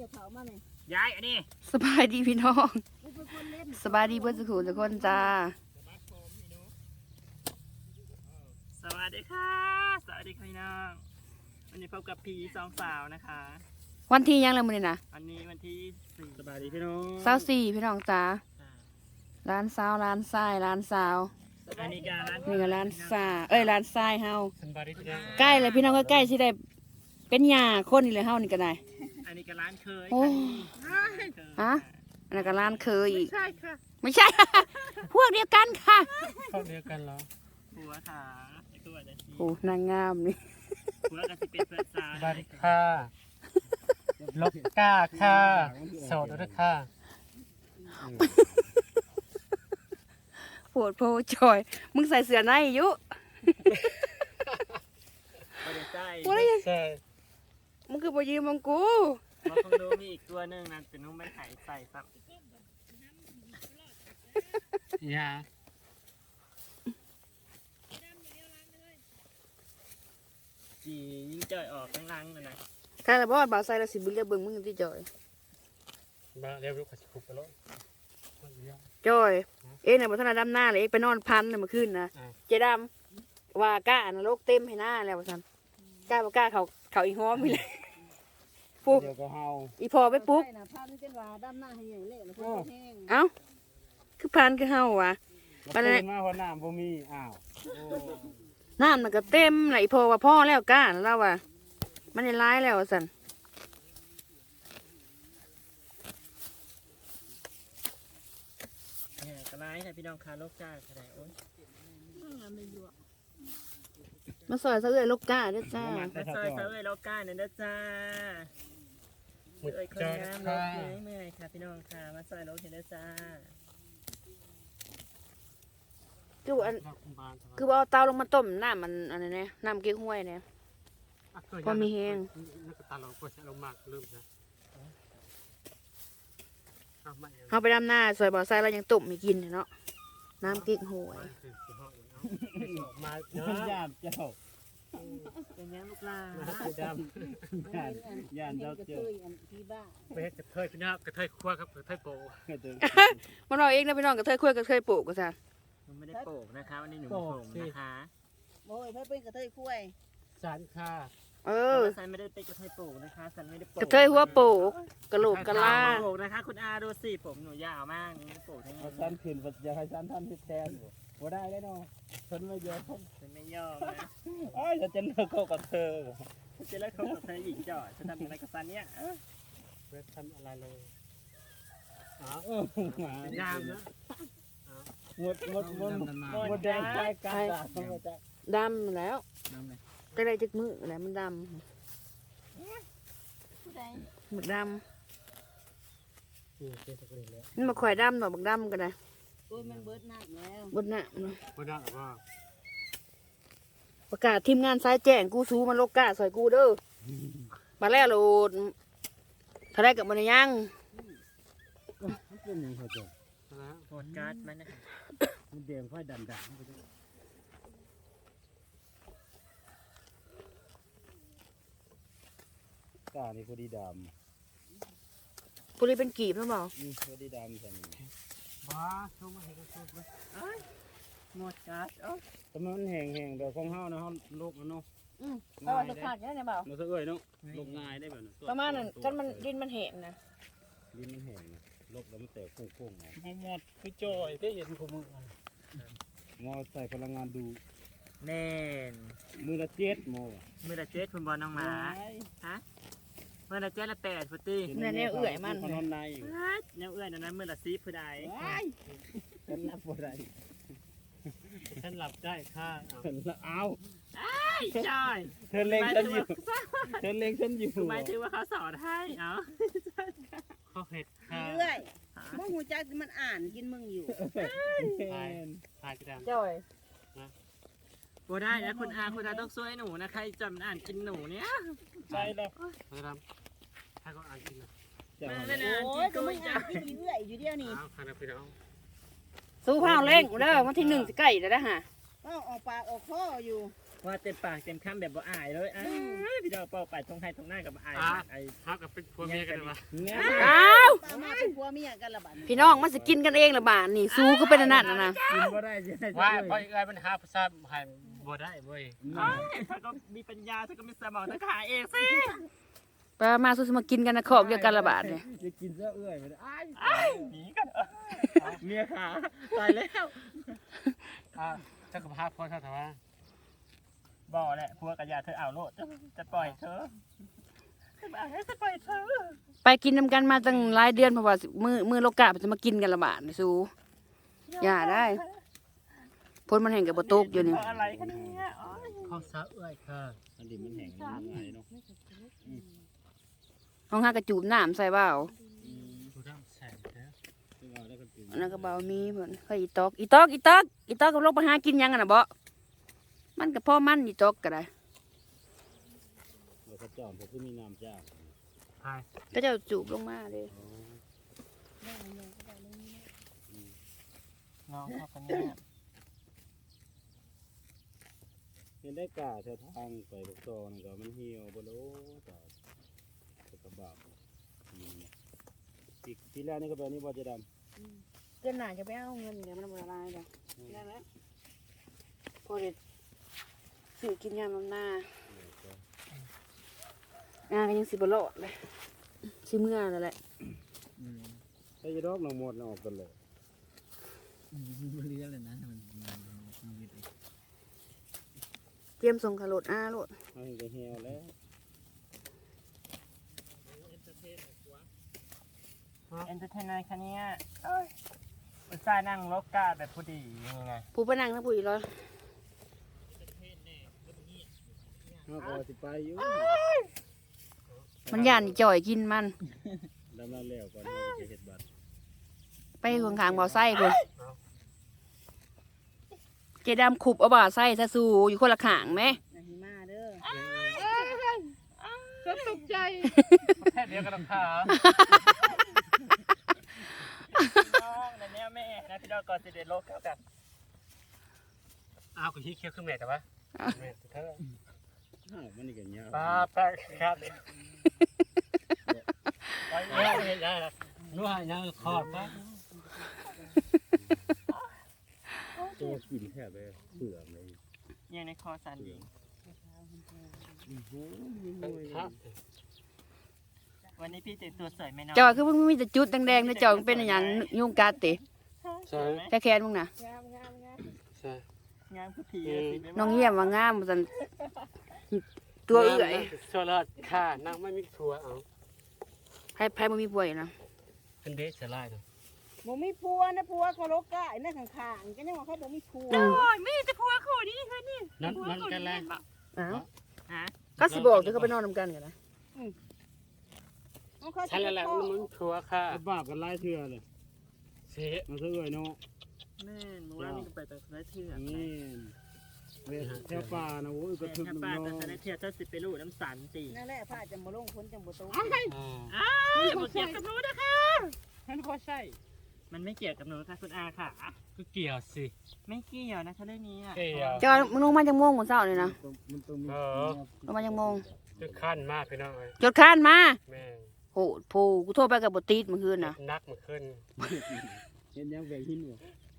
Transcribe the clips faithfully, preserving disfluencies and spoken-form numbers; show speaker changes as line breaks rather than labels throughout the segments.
ย้ายอันนี้
สบายดีพี่น้องสบายดีเพื่อนสุขุทุกคนจ้า
สวัสดีค่ะสวัสดีค่ะพี่น้องวันนี้พบกับพีสองสาวนะคะ
วันที่ยังเลยมื้อนี้นะ
วันนี้วันที่สี่สบายดีพี่น้อง
เช้าสี่พี่น้องจ้าร้านสาวร้านทรายร้านสาว
อันนี้ก็ร้าน
นี่ก็ร้านสาเอ้ยร้านทรายเฮา
สบายดีพี่น้อง
ใกล้เลยพี่น้องก็ใกล้ที่ได้เป็นหญ้าคนนี่เลยเฮานี่ก็ได้
อันนี้ก็ร้านเคย
โอ้ฮะอันนั้นก็ร้านเคยอีก
ใช่ค่ะ
ไม่ใช่ พวกเดียวกันค่ะ
พวกเดียวกันเหรอหัวขาไอ้ตัวเด็ก
โอ้นางงามนี่
หัวกันที่เป็นเพื่อนสาวสบายดีค่ะลบก้าค่ะโสดด้วยค่ะ
ปวดโพจอยมึงใส่เสื้อในอยู่
ไม่ได้ใส่
ไม่ได้
ใส่
มึงคือบ่ยืมมึงกู
มาคงดูมีอีกตัวหนึ่งนะแต่นุ่มไม่หายใส่ซ้ำยาจียิ่งจ่อยออกข้างล่างเลยนะ
ถ้าเราบอกว่าบ่าวใส่เราสิบุญเรียกเบิ่งมึงที่จอย
บ่าวเรียกลูกขัดขุบไปแล้ว
จอยเอ๊ะเนี่ยบ่ทันดำหน้าเลยเอ๊ะไปนอนพันเนี่ยเมื่อคืนนะเจดำว่าก้านรกเต็มให้หน้าแล้วว่าซั่นก้าบ่ก้าเขาเขาอีห้อมมีเลยปุ๊บอีพอไปปุ๊บเอ้าคือพันคือเฮาวะ
มันเลยมาเพราะน้ำบ่มีอ้าว
น้ำมันก็เต็มไหลพอว่าพ่อแล้วก้านแล้วว่ะมันได้ร้ายแล้วสัน
เนี่ยกระไรนะพี่น้องคาโลกจ้าอะไรโอ้ย
มาซอยซะเลยลูกก้าเด้อจ้า
มาซอยซะเลยลูกก้าเนี่ยเด้อจ้าเอ้ยคนงามลูกเมื่อยเมื่อยค่ะพี่น้องค่ะมาซอยลูกเด้อจ้า
คืออันคือว่าเอาเตาลงมาต้มน้ำมันอันนี้เนี่ยน้ำเก๊กฮวยเนี่ยพอมีแห้งเขาไปดำหน้าซอยบ่อไส้แล้วยังต้มไม่กินเนาะน้ำเก๊กฮวย
มาเนาะย่านเจ้าเป็นยังลูกลาดำย่านย่านเจ้าเจ้าไปกระเทยพี่น้องกระเทยคั่วครับกระเทยโป
มันเราเองนะพี่น้องกระเทยคั่วกระเทยโปก็ซะ
มันไม่ได้โปกนะคะวันนี้หนูโปกนะคะ
โอ้ยเพื่อเป็นกระเทยคุ้ย
สันค่ะ
เออ
สันไม่ได้เป็นกระเทยโปกนะคะสันไม่ได้โปก
กระเทยหัวโปกกระโหลกกระลา
โปกนะคะคุณอาดูสิผมหนูยาวมากนี่โปกทั้งนั้น
สันขืนอยากให้สันท่านที่แทนบ่ได้ได้เนาะฉันไม่ยอม
ฉันไม่ยอมนะ
อ้าวจะเลิกเข้ากับเธอ
จะเลิกเข้ากับเธอหญิงจ่อฉันทำอะไรกับสันเนี่ยเวททำอะไรเลยอ๋อยามนะ
หมดหมดหมดหมดแดงใช่กัน
ดำแล้วก็ได้จึกมือแล้วมันดำหมึกดำมันมาข่อยดำหน่อยบักดำกันนะ
โอ้ยมันเบิดหนักแล้ว
เบิดหนักเนาะ
เบิดหนักหรอ
ประกาศทีมงานสายแจ้งกูซูมันโลกกาสอยกูเด้อมาแล้วโหลดถ้าได้กับมันยัง
เป็นยังไงจ๊ะ
โหดการ์ดมันนะ
มันเดี่ยงค่อยดันดันกานี่พอดีด
ำพอดีเป็นกีบนะบอก
พอดีดำใช่ไหม
ว้าชมมาเห็นกันสุดเลยหมดการ์ดเอ้
แต่มันแห้งแห้งเดี๋ยวของเฮานะเฮาโลกนะเนาะ
อืมเอาไว้จะขาดยังไงเปล่า
เราเอ้ยเนาะโลกง่ายได้แบบนั้น
ประมาณนั้นกันมันดินมันเห็นนะ
ดินมันแห้งโลกแล้วมันแตกโค้งๆไง
หมดคือจอยได้เห็นของมือ
มอใส่พลังงานดู
แน่น
มือละเจ็ดโม
มือละเจ็ดคุณบอลน้องหมาฮะมือละเจ็ดละแปดพุทธิ
เนี่ยเนี่ยเอื่อยมัน
นอนใน
เนี่ยเอื่อยนั้นมือละซีผู้ใด
ฉันรับผู้ใด
ฉันหลับได้ค่ะ
เอา
ใช่
เธอเล็งฉันอยู่เธอเล็งฉันอยู่
หมายถึงว่าเขาสอนให้เอาเขาเห็ดค่ะ
เรื่อยมึงหูจักมันอ่านกินมึงอยู่
ถ่ายถ่ายกระดาษ
จ่อย
โบได้นะคุณอาคุณอาต้องช่วยหนูนะใครจำอ่านกินหนูเนี่ย
ใช่แล้ว
นะครับถ้าเขาอ่านกินนะ
โอ้ยก็มึงอ่านกินเรื่อยอยู่เดียวนี่
สู้ข้าวเล่งเด้อวันที่หนึ่งจะใกล้แล้วนะฮะ
ก็ออกปากออกคออยู่
ว่าเต็มปากเต็มคำแบบบ่อายเลยอ่ะพี่ดอกเป่าไปทงไทยทงหน้ากับอาย
อ่ะ
ไอ้
ฮักกับเป็นผัวเมียกันเลยวะ
อ้าว
ป้ามาเป็นผัวเมียกันละบัด
พี่น้องมันสิกินกันเองละบาทนี่สู้ก็เป็นอันนั้นน่ะนะ
กินบ่ได้ใช่ไหม
ว่าเพราะอีกไอ้มันหาภาษาให้บ่ได้เว้ย
ถ้าก็มีปัญญาถ้าก็มีสมองถ้าขาเองสิ
ไปมาสู้สิมากินกันนะขอกเดียวกันละบาทเนี่ย
จะกินเสื้อเอื้อยไปอ้ายหนีกันเมียขาตายแล้ว
อ่ะเจ้ากับพาพ่อเท่าไหร่วะ
บ่แหละพัวกับยาเธอเอาโลดจะปล่อยเธอจะปล่อยเธอ
ไปกินนำกันมาตั้งหลายเดือนเพราะว่ามือมือโลกาจะมากินกันละบาทนี่สู้อย่าได้พ้นมันแห่งกับบ่ตกอยู่นี่
อะไรกันเนี่ย
ข้าวสาเอ้ยค่ะ
อันนี้มันแห้งมันง่ายเนาะ
ห้องหากระจูบน้ำใส่เบ้า
ดูน้ำแสงเด้อ
ซึ่งเอาได้ก็กิน
อันนั้นก็เบามีเหมือนเคยอีตอกอีตอกอีตอกอีตอกกับโลกไปหากินหยังกันน่ะบ่มันกับพ่อมันอีตอกก็ได้
เราก็จอมผมก็มีน้ำจ้า
พาย
ก็จะจูบลงมาเลย
น้องเขาคนนี้
เห็นได้กาแถวทางไปลูกซองก็มันเหี่ยวบ่โลต่อตะบาบปีปีแรกนี่ก็แบบนี้บ่จะดำ
เดือนหน้าจะไปเอาเงินเดี๋ยวมันบ่ละลายดอกได้แล้วพอเด็ดซื้อกินยามน้ำหน้างานก็ยังสิบ่รอดเลยสิเมื่อแล้วแหละ
ใส่ดอกน้องหมดออกกันเลย
มันเลี้ยงเลยนะมัน
เตรียมส่งขารถอ้าโลด
เอาเห็นก็เหี่ยวแล้ว
เอนเตอร์เทนในคันนี้อุตส่าห์นั่งรถกาแบบพอดียังไง
ผู้พนังทั้งผู้อีร้อย
เฮาก็สิไปอยู่
มันย่านอีจ่อยกินมัน
ดำน้ำแล้วก่อนเฮาจะเฮ็ดบัตร
ไปข้างๆบ่อไส้พุ่นเจดำขุบเอาบ่อไส้ซะสู่อยู่คนละข้างแหม
นาหิมาเด้อ
ก็ตกใจแค่เดียวกันค่ะน้องในนี้แม่นะพี่ดอกก่อนจะเด็ดโลกแล้วกัน
อ้าวกูชี้เคี้ยวขึ้นแม่แต่ว่าแม่เธอ
อ้าวมันนี่ก็ยาว
ป้าแป๊กครับไปแล้วเห็นได้ละนัวยังขอดปะ
ตัวกินแทบเลยเบื่อเลย
ยังในคอสันดี
โอ้โหมีมวย
ครับ
วันนี้พี่แต่งตัวสวยไหมน้อง
จอยคือมึงมีแต่จุดแดงๆนะจอยมึงเป็นอหย่างยุ่งกัดติ
ใช่
แค่แค้นมึงน่ะ
ใช่
งามผู้ผี
น้องเยี่ยมว่างามว่าซั่นตัวเอื้อย
ชัวร์เลยค่ะนั่งไม่มีทัวเอา
ไผไผบ่มีป่วยนะ
เป็นเดชจะไล่เนาะ
บ่มีผัวนะผัวเขาโลกกะไอ้นั่นข้างๆก็ยังว่าเขาบ่มีผัว
อืม
โอ้ยไม่จะพัวคู่นี้ค่ะนี่
นั่นนั่นกันแล้ว
อ้าว
ฮะ
ก็สิบอกเดี๋ยวเขาไปนอนนำกันกันนะ
เอาเขา
ฉันแล้วมันมึงทัวค่ะ
กระบาบกันไล่เทื่อเลย
เสีย
มันซะเอ้ยเนาะ
แม่หนูว่านี่ไปแต่ไรเถื่อน
นี่เวทแถวป่านะโว้ยกระทึก
ถ้า
น้ำ
ป้า
เนา
แต่ไร
ะ
เถื่อนเจ้าสิไปลูกน้ำสันสิ
นั่นแหละผ้าจะบ่ลงพ้นจังบ่ตก
อ่า
อ้าวอย่าบอกเกี่ยวกับหนูนะคะมันพอใช่ มันไม่เกี่ยวกับหนูค่ะคุณอาค่ะ
ก็เกี่ยวสิ
ไม่เกี่ยวนะคะเรื่องนี้อ่ะ
เกี่ยว
จอยมึงลงมาจังโมงมื้อเช้านี่นะ
มันต้องมี
เออ
ลงมาจังโมง
คือขั้นมากพี่น้องเอ้ย
จดค้านมา
แม่ง
โหโพกูโทรไปกับบ่ติดเมื่อคืนน่ะ
นักมันขึ้น
เห็นยังแบ่งหินบ่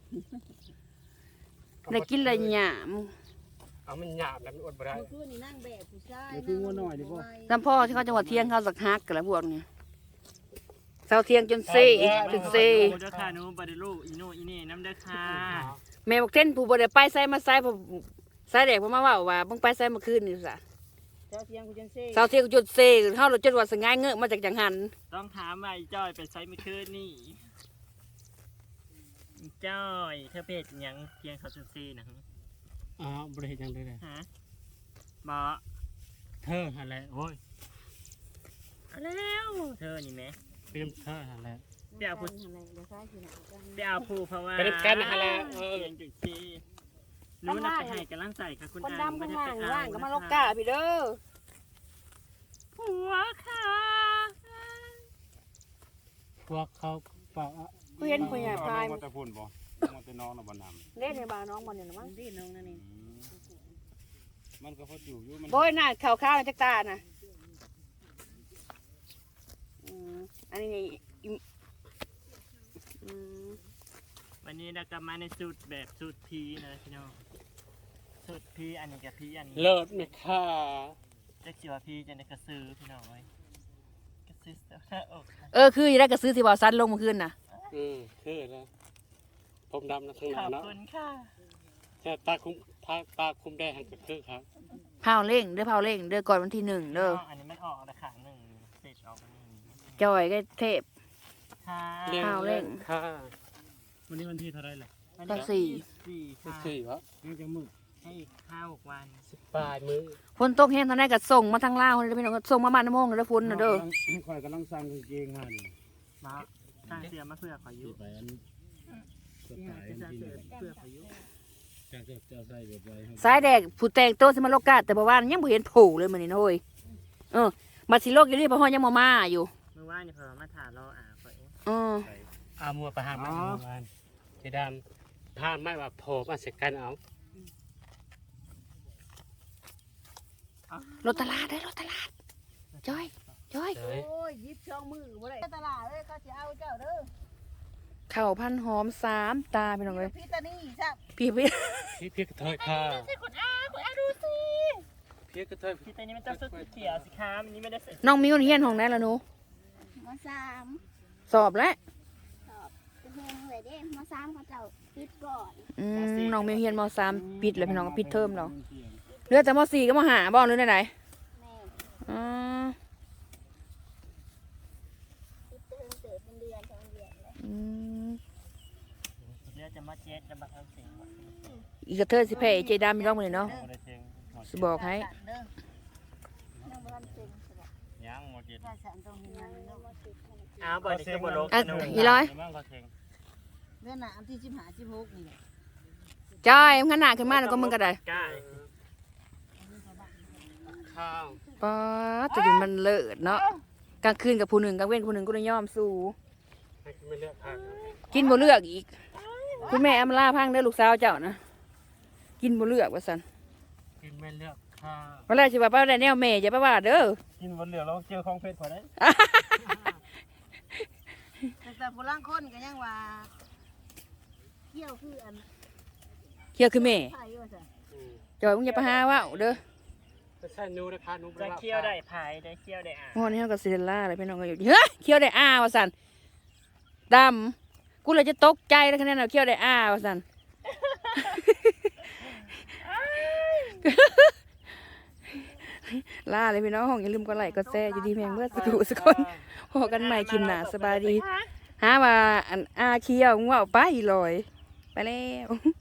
ได้กินอะไรหยาม
เอามันหยาบแล้วมันอดบ่ได้
เมื่อคืนนี่นั่งแบบผู้ชาย
เดี๋ยวคืองัวหน่อยดิพ่อ
ลำพ่อที่เขาจังหวัดเที่ยงเขาสักฮักกันแล้วพวกนี้เช้าเที่ยงจนเซ่จนเซ่
โอ้เด้อค่ะหนูบไดลูกอีโน่อีนี่น้ำเด้อค่ะ
แม่บอกเต้นผู้บ่ได้ไปใส่มาใส่ผู้ใส่แดกเพราะมาเว่าว่ามึงไปใส่เมื่อคืนนี่ซะ
เจ้าเที่ยงกูจังซี่
เช้าเที่ยงจนเซ่เฮาเราจนว่าสงายเงอะมาจากจังหัน
ต้องถามว่าไอ้จ้อยไปใช้เมื่อคืนนี่อีจ้อยเธอเพจยังเพียงเขาจนซีนะฮะ
อ้าวบริเหตุยังได้เลย
ฮะบอ
เธออะไรโอ้ย
เอาแล้วเธอนี่ไหม
เตรียมเธออะไร
เดี๋ยวพูด
อะไรเดี๋ยวซ้ายสิหน้ากัน
เดี๋ยวพูดเพราะว่า
เป็นกันอะไรเออ
เพียงจุดซีรู้นะไปให้กำลังใจค่ะคุณ
คน
อา
ดำข้างล่าง
ไม่ได้ไป
ล่างก็มา
เอ
ลกกาพี่เด้อ
ผัวค่ะ
พวกเขาเปล่า
กูเห็นผู้ใหญ่พาย
มันแต่พุ่นบ่มันแต่น้องน่ะบ่นำ
เล่นในบ้านน้องมันนี่นะมั้ง
ดีน้องนั่นนี่
มันก็พออยู่อยู่มัน
โบยหน้าขาวๆจักตาน่ะอืมอันนี้นี่อิอืม
วันนี้เราก็มาในสูตรแบบสูตรพีนะพี่น้องสูตรพีอันนี้กับพีอันนี้
เลิศไหมค่ะ
จะเกี่ยวกับพีจะในกระซื้อพี่น้องไว้กระซื้อเสื้อผ้าอก
เออคืออยู่ได้ก็ซื้อที่บ่าวซันลงเมื่อคืนน่ะ
อืมคือแล้วผมดำนะข้างห
ข
น้า
อบ
เนาะ
คุณค่ะ
แต่ตาคุมตาตาคุมแดงก็คือครับ
เผาเร่งเด้อเผาเร่งเด้อก่อนวันที่หนึ่งเด้อ
อันนี้มันออกราคาหนึ่งเสร็จออกมาหนึ่ง
จอยก็เทพ
ค่ะ
ข้าวเร่ง
ค่ะ
วันนี้วันที่เท่าไรล่ะ
ก็สี่
สี่ค่ะ
สี่วะ
ยังจะมืด
ให้อีกห้าหกวัน
สิบปลายมือ
ฝนตกแห้งทางไหนก็ส่งมาทางลาวเลยพี่น้องก็ส่งมาบ้านน้ำมงเลยเด้อฝนน่ะเด้อ
ข่อยกำลังสั่งกางเกงมาดิ
มาสร้างเสื้อมาเพื่อขอยุ
ที่ไปอันส
เนี่ย
ไตล์
จะสร้าง
ที่
เสื้อ
นี่
เพื่อขอยุ
จากจะจะใส่แบบไรให้
สายแดกผู้แต่งโตวสิมาโลกาแต่บ่ว่ายังบ่เห็นโผล่เลยมื้อนี้นะเฮ้ยเออมาสิโลกอยู่นี่เพราะฮอดยังบ่มาอยู่
เมื่อวานนี่พอมาถามเราอ่ะขอเอง
เออ
เอามัวไปหามันมันเจดำผ้าไม่ว่าโผล่มาเสร็จกันเอา
รถตลาดเด้อรถตลาดจอยจอย
เฮ้ย
โอ้ยยิบช่องมือบ่ได้ตลาดเลยเขาสิเอาเจ้าเด้อ
ข้าวพันหอมสามตาพี่น้องเอ้ย
พี่ตานี่ซับ
พี่พี่
พี่พี่กระเทยค่ะ
คุณอาคุณอาดูสิ
พี่กระเทย
พี่ตัวนี้มันจะสุดเขียวสิคะมันนี้ไม่ได้ใส่
น้องมิวเฮียนห้องไหนล่ะหนู
มสาม
สอบแล้ว
เป็นเพลงเลยเด้มสามเขาเจ้าปิดก่อน
อืมน้องมิวเฮียนมสามปิดแล้วพี่น้องก็ปิดเทอมแล้วเหลือแต่มสี่ก็มห้าบ่หรือไหน
แม่
ๆอ๋อ
ปิดเติมเติมเป็นเดือนสองเดือนเลย
อืม
เลือดจะมาเจ็ดจะมาเอาเสียง
อีกกระเทยสิแพ้ไอ้เจดำพี่น้องมื้อนี้เนาะ
โมเดลเสียง
สิบอกให้
เด้อ
น้องบ้านเซ็งสบาย
ยังโมเดล
ถ้าฉันต้องมีนั่นเนาะ
อ้าวบ่ได้จะบ่ลง
อ่ะอีร้อย
มั่งก็เสียง
เดือนหน้าที่สิบห้าสิบหกนี่แหละ
จอยมึงขนาดขึ้นมาแล้วก็มึงก็ได้
กล้า
ข้าว
ป๊าดตัวนี้มันเลิศเนาะกลางคืนกับผู้หนึ่งกลางเว้นผู้หนึ่งก็ได้ยอมสู้
ให้ไม่เลือกค่ะ
กินบ่เลือกอีก คุณแม่อำลาพังเด้อลูกสาวเจ้านะกินบ่เลือกว่าซั่น
กินไม่เลือกข้าว
ว่าแล้วสิว่าป้าได้แนวแม่อย่าไปว่าเด้อ
กินบนเหลือแล้วเจอของเพชรพอได้
แต่ผู้ล่างคนก็ยังว่าเที่ยวคืออัน
เคียวคือแม่
ไผว่าซั่น
อืม
จอยมึงอย่าไปหาว่าเด้อ
ไม่ใช่นูนะคะนู
จะเคี่ยวได้พายได้เคี่ยวได้อ่ะ
งอนนี้เฮาก็สิได้ลาเลยพี่น้องก็อยู่เฮ้ยเคียวได้อ้าว่าซั่นดำกูเลยจะตกใจแล้วคะแนนเอาเคียวได้อ้าว่าซั่น ลาเลยพี่น้องอย่าลืมกดไลค์กดแชร์อยู่ดีแม่งเมื่อสักครู่สักคนพอกันใหม่คลิปหน้าสบายดีหาว่าอันอาเคียวมึงว่าเอาไปลอยไปแล้ว